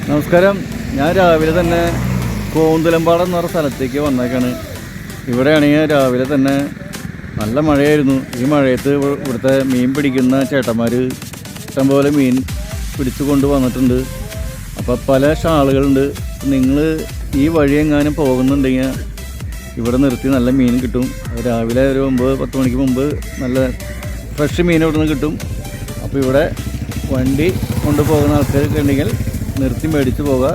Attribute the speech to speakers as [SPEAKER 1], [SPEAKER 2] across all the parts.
[SPEAKER 1] നമസ്കാരം. ഞാൻ രാവിലെ തന്നെ കോന്തുലമ്പാടം എന്ന് പറഞ്ഞ സ്ഥലത്തേക്ക് വന്നേക്കാണ്. ഇവിടെയാണെങ്കിൽ രാവിലെ തന്നെ നല്ല മഴയായിരുന്നു. ഈ മഴയത്ത് ഇവിടുത്തെ മീൻ പിടിക്കുന്ന ചേട്ടന്മാർ ഇഷ്ടംപോലെ മീൻ പിടിച്ചു കൊണ്ട് വന്നിട്ടുണ്ട്. അപ്പോൾ പല ഷാളുകളുണ്ട്. നിങ്ങൾ ഈ വഴി എങ്ങാനും പോകുന്നുണ്ടെങ്കിൽ ഇവിടെ നിർത്തി നല്ല മീൻ കിട്ടും. രാവിലെ ഒരു 9-10 മണിക്ക് മുമ്പ് നല്ല ഫ്രഷ് മീൻ ഇവിടെ നിന്ന് കിട്ടും. അപ്പോൾ ഇവിടെ വണ്ടി കൊണ്ടുപോകുന്ന ആൾക്കാരൊക്കെ ഉണ്ടെങ്കിൽ നിർത്തി മേടിച്ച് പോവുക.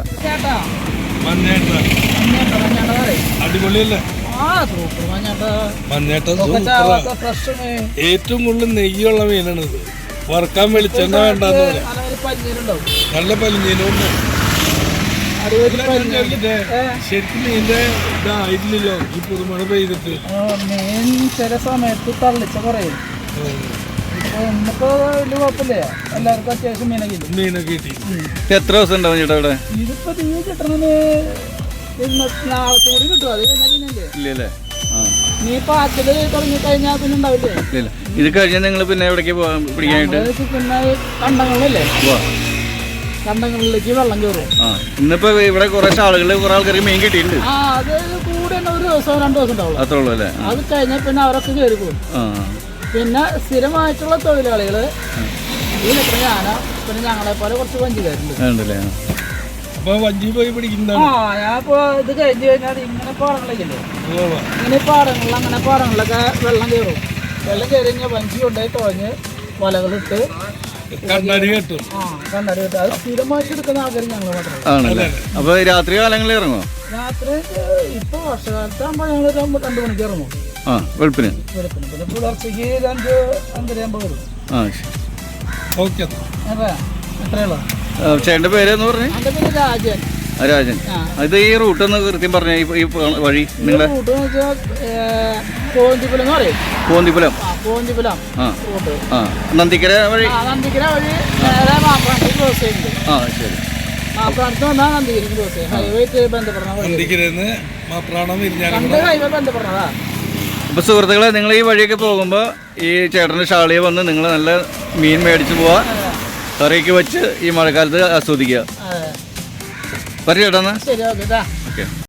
[SPEAKER 2] ഏറ്റവും കൂടുതൽ നെയ്യുള്ള മീനാണ് ഇത്. വറുക്കാൻ വെളിച്ചെണ്ണ വേണ്ടെന്ന് പറയാം. നല്ല പലിഞ്ഞീനുണ്ട്. ശരിക്കും മീൻ്റെ ഇതായില്ലല്ലോ ഈ പുതുമഴ പെയ്തിട്ട്.
[SPEAKER 3] മീൻ ചില സമയത്ത് തള്ളിച്ച പറയും. ഇന്നിപ്പോ വലിയ കുഴപ്പമില്ല, എല്ലാവർക്കും അത്യാവശ്യം
[SPEAKER 2] മീനൊക്കെ കിട്ടി.
[SPEAKER 1] എത്ര ദിവസം ഉണ്ടാവും ചേട്ടാ ഇവിടെ?
[SPEAKER 3] ഇതിപ്പോ തീ കിട്ടണമെന്ന് നാളത്തെ കൂടി കിട്ടും. അത് കഴിഞ്ഞാൽ പിന്നെ
[SPEAKER 1] ഇല്ലല്ലേ?
[SPEAKER 3] നീ പാച്ചില് തുടങ്ങി കഴിഞ്ഞാൽ പിന്നെ ഉണ്ടാവില്ലേ?
[SPEAKER 1] ഇല്ല. ഇത് കഴിഞ്ഞാൽ നിങ്ങൾ പിന്നെ എവിടേക്ക് പിടിക്കാനായിട്ട്?
[SPEAKER 3] പിന്നെ കണ്ടങ്ങളിലല്ലേ, കണ്ടങ്ങളിലേക്ക് വെള്ളം കയറും.
[SPEAKER 1] ഇന്നിപ്പോ ഇവിടെ കുറെ ആൾക്കാർക്ക് മീൻ കിട്ടിയിട്ടുണ്ട്.
[SPEAKER 3] അത് കൂടെ ഒരു ദിവസം 2 ദിവസം ഉണ്ടാവും.
[SPEAKER 1] അത്രേ ഉള്ളൂ അല്ലേ?
[SPEAKER 3] അത് കഴിഞ്ഞാൽ പിന്നെ അവരൊക്കെ കയറി പോകും. പിന്നെ സ്ഥിരമായിട്ടുള്ള തൊഴിലാളികൾ ഈ നിൽക്കുന്ന ഞാന, പിന്നെ ഞങ്ങളെ പോലെ കുറച്ച് വഞ്ചിക്കാരുണ്ട്.
[SPEAKER 2] അപ്പൊ വഞ്ചി പോയി പിടിക്കുന്ന
[SPEAKER 3] ഞാനിപ്പോ ഇത് കഴിഞ്ഞ് കഴിഞ്ഞാൽ ഇങ്ങനെ പാടങ്ങളില്ലേ, ഇങ്ങനെ പാടങ്ങളിൽ അങ്ങനെ പാടങ്ങളിലൊക്കെ വെള്ളം കയറും. വെള്ളം കയറി കഴിഞ്ഞാൽ വഞ്ചി കൊണ്ടുപോയി തുഴഞ്ഞ് വലകളിട്ട്
[SPEAKER 2] കണ്ണടി കെട്ടും.
[SPEAKER 3] കണ്ണടി കെട്ടും. അത് സ്ഥിരമായിട്ട് എടുക്കുന്ന ആൾക്കാർ ഞങ്ങൾ മാത്രമേ.
[SPEAKER 1] ആണല്ലേ? അപ്പൊ രാത്രി കാലങ്ങളിൽ ഇറങ്ങോ?
[SPEAKER 3] രാത്രി ഇപ്പൊ വർഷകാലത്താകുമ്പോൾ ഞങ്ങൾ 2 മണിക്ക് ഇറങ്ങും.
[SPEAKER 1] വെളുപ്പിന്.
[SPEAKER 3] പിന്നെ പുലർച്ചയ്ക്ക് 2-5:30 വരും.
[SPEAKER 2] ഓക്കെ.
[SPEAKER 3] എത്രയുള്ളൂ?
[SPEAKER 1] ചേട്ടൻ്റെ പേരെന്ന് പറഞ്ഞു?
[SPEAKER 3] എൻ്റെ പേര് രാജൻ.
[SPEAKER 1] രാജൻ. ഇത് ഈ റൂട്ട് ഒന്ന് കൃത്യം പറഞ്ഞ ഈ വഴി നിങ്ങളെ
[SPEAKER 3] റൂട്ട് എന്ന് വെച്ചാൽ കോന്തിപുലം എന്ന് പറയും.
[SPEAKER 1] കോന്തിപുലം.
[SPEAKER 3] കോന്തിപുലം റൂട്ട്.
[SPEAKER 1] നന്ദിക്കര വഴി.
[SPEAKER 3] നന്ദിക്കര വഴി നേരെ മാപ്രാണത്ത് ക്രോസ് ചെയ്യുന്നുണ്ട്.
[SPEAKER 1] ശരി.
[SPEAKER 3] മാപ്രാണത്ത് വന്നാൽ നന്ദിഗിരിക്ക് ക്രോസ് ചെയ്യും. ഹൈവേറ്റ് ബന്ധപ്പെടണം. ഹൈവേ ബന്ധപ്പെടണതാ.
[SPEAKER 1] അപ്പോൾ സുഹൃത്തുക്കളെ, നിങ്ങൾ ഈ വഴിയൊക്കെ പോകുമ്പോൾ ഈ ചേട്ടൻ്റെ ഷാളിയെ വന്ന് നിങ്ങൾ നല്ല മീൻ മേടിച്ച് പോവുക, കറിയൊക്കെ വെച്ച് ഈ മഴക്കാലത്ത് ആസ്വദിക്കുക. പറ ചേട്ടാ.
[SPEAKER 3] ശരി, ഓക്കെ.
[SPEAKER 1] ഓക്കെ.